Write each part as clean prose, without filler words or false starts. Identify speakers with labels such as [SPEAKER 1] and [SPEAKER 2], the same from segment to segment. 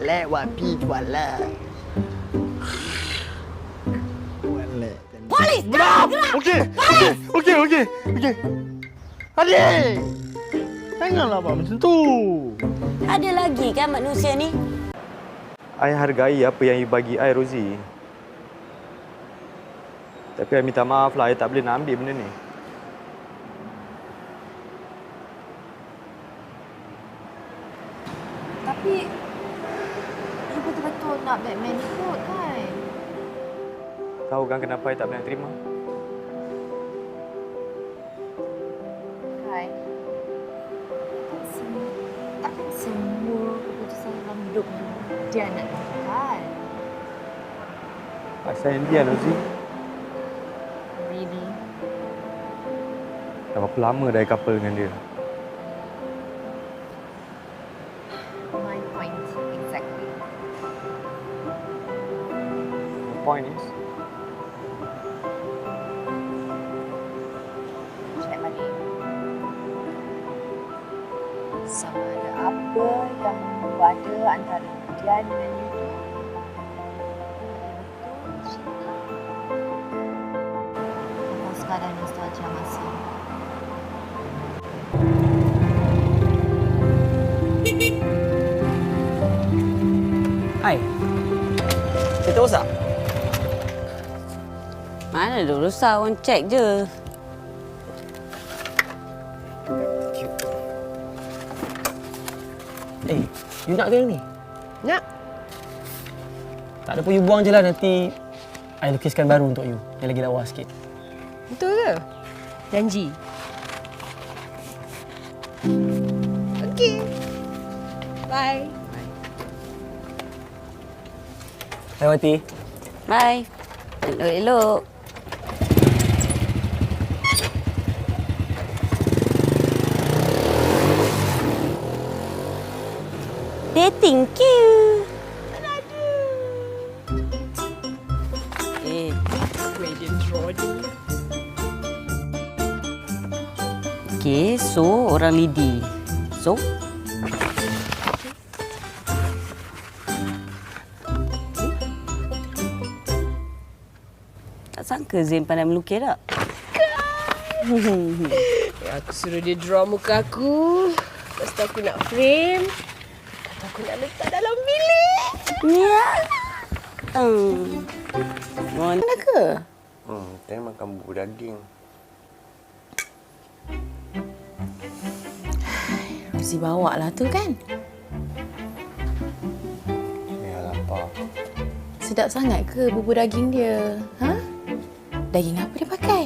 [SPEAKER 1] แล้วว่าพี่ชวนแล้วWallet.
[SPEAKER 2] Polis!
[SPEAKER 1] Okey. Okey. Adik! Janganlah abang macam tu.
[SPEAKER 2] Ada lagi kan manusia ni?
[SPEAKER 3] I hargai apa yang you bagi I, Rozi. Tapi I minta maaf lah, I tak boleh nak ambil benda ni.
[SPEAKER 4] Tapi you betul-betul nak Batman ikut kan?
[SPEAKER 3] Tahu kan kenapa I tak boleh nak terima?
[SPEAKER 4] Kai, takkan semua keputusan dalam hidup you dia nak tentukan.
[SPEAKER 3] I sayang dia, Rozi.
[SPEAKER 4] Really?
[SPEAKER 3] Dah berapa lama dah I couple dengan dia?
[SPEAKER 4] My point exactly.
[SPEAKER 3] The point is,
[SPEAKER 4] Check balik. Sama ada apa yang ada antara dia dengan you tu. Betul cinta. Atau sekadar nostalgia masa.
[SPEAKER 5] Hai. Kita rosak?
[SPEAKER 2] Mana ada rosak, orang cek je.
[SPEAKER 5] You nak ke yang ni?
[SPEAKER 1] Nak.
[SPEAKER 5] Tak ada pun you buang je lah, nanti I lukiskan baru untuk you. Yang lagi lawa sikit.
[SPEAKER 6] Betul ke? Janji. Okey. Bye.
[SPEAKER 5] Hai Wati.
[SPEAKER 2] Bye. Elok-elok. Dating queue. Okay, so orang lidi. So? Tak sangka Zain pandai melukis tak?
[SPEAKER 6] Aku suruh dia draw muka aku. Lepas tu aku nak frame. Kata aku nak letak dalam bilik.
[SPEAKER 2] Ya. Mana ke?
[SPEAKER 1] Saya makan bubur daging.
[SPEAKER 7] Rozi bawa lah tu kan?
[SPEAKER 1] Ya, lapar.
[SPEAKER 7] Sedap sangat ke bubur daging dia? Ha? Daging apa dia pakai?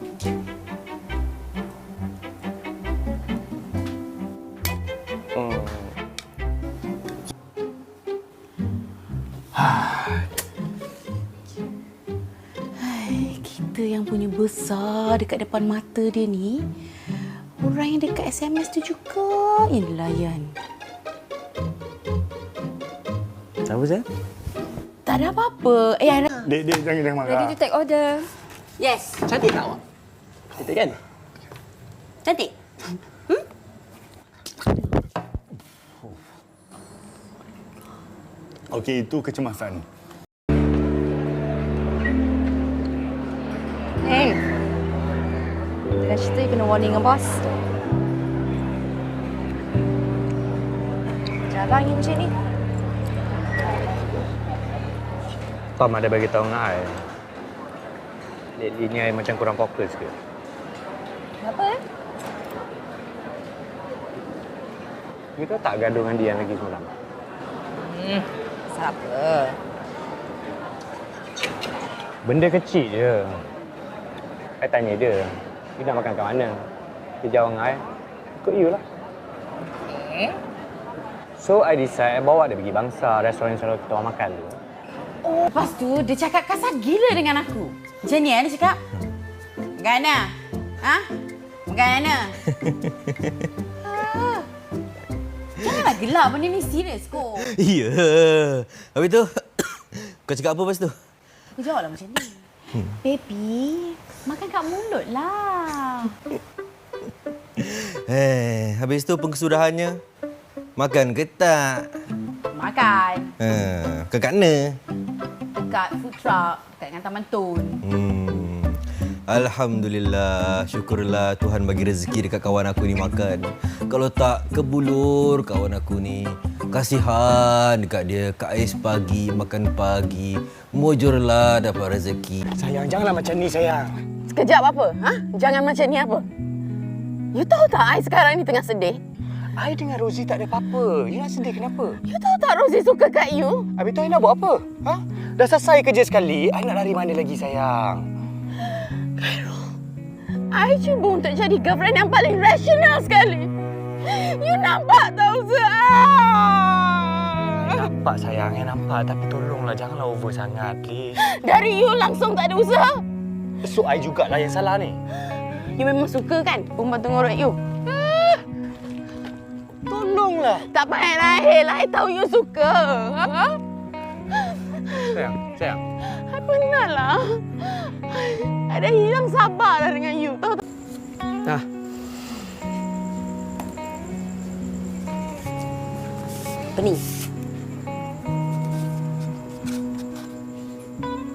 [SPEAKER 7] Kita yang punya besar dekat depan mata dia ni, orang yang dekat SMS tu juga yang dilayan.
[SPEAKER 3] apa Zain?
[SPEAKER 7] Tak ada apa-apa. Ada.
[SPEAKER 1] Dek, jangan marah.
[SPEAKER 6] Ready to take order.
[SPEAKER 2] Yes.
[SPEAKER 5] Cantik tak awak? Cantik kan?
[SPEAKER 2] Cantik.
[SPEAKER 8] Okey, itu kecemasan.
[SPEAKER 4] Hey. Dengan cerita you kena warning dengan bos. Jarang you macam ni.
[SPEAKER 3] Tom ada bagi tahu dengan I. Lately ni I macam kurang fokus ke?
[SPEAKER 4] Kenapa
[SPEAKER 3] You tahu tak gaduh dengan dia yang lagi semalam?
[SPEAKER 4] Siapa?
[SPEAKER 3] Benda kecil je. I tanya dia, you nak makan kat mana? Dia jawab dengan I, ikut you lah.
[SPEAKER 4] Eh?
[SPEAKER 3] So, I decide bawa dia pergi bangsa, restoran yang selalu kita orang makan tu.
[SPEAKER 7] Oh, lepas tu dia cakap kasar gila dengan aku. Macam ni dia cakap. Makan mana? Ha? Makan mana? Janganlah gelap, benda ni serius kok.
[SPEAKER 9] Ya. Habis tu, kau cakap apa lepas tu?
[SPEAKER 7] Aku jawablah macam ni. Baby, makan kat mulut lah.
[SPEAKER 9] Habis tu pengkesudahannya, makan ke tak?
[SPEAKER 7] makan.
[SPEAKER 9] Kat mana?
[SPEAKER 7] Dekat food truck, dekat dengan Taman Tun.
[SPEAKER 9] Alhamdulillah, syukurlah Tuhan bagi rezeki dekat kawan aku ni makan. Kalau tak kebulur kawan aku ni. Kasihan dekat dia, kat ais pagi, makan pagi. Mujurlah dapat rezeki.
[SPEAKER 3] Sayang, janganlah macam ni sayang.
[SPEAKER 2] Sekejap apa? Ha? Jangan macam ni apa? You tahu tak I sekarang ni tengah sedih?
[SPEAKER 3] I dengan Rosie tak ada apa-apa. You nak sedih kenapa?
[SPEAKER 2] You tahu tak Rosie suka kat you?
[SPEAKER 3] Habis tu I nak buat apa? Ha? Dah selesai kerja sekali, I nak lari mana lagi sayang?
[SPEAKER 2] I cuba untuk jadi girlfriend yang paling rasional sekali. You nampak tak usaha?
[SPEAKER 3] Nampak sayang, nampak. Tapi tolonglah, janganlah over sangat, please.
[SPEAKER 2] Dari you langsung tak ada usaha.
[SPEAKER 3] So, I jugalah yang salah ni.
[SPEAKER 2] You memang suka kan perempuan tengorok you?
[SPEAKER 3] Tolonglah.
[SPEAKER 2] Tak payah lahir, I tahu you suka. Ha?
[SPEAKER 3] Sayang.
[SPEAKER 2] I pernah lah. I dah hilang sabar dah dengan you. Tahu tak?
[SPEAKER 5] Nah,
[SPEAKER 2] Apa ni?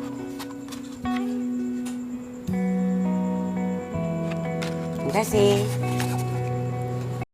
[SPEAKER 2] Terima kasih.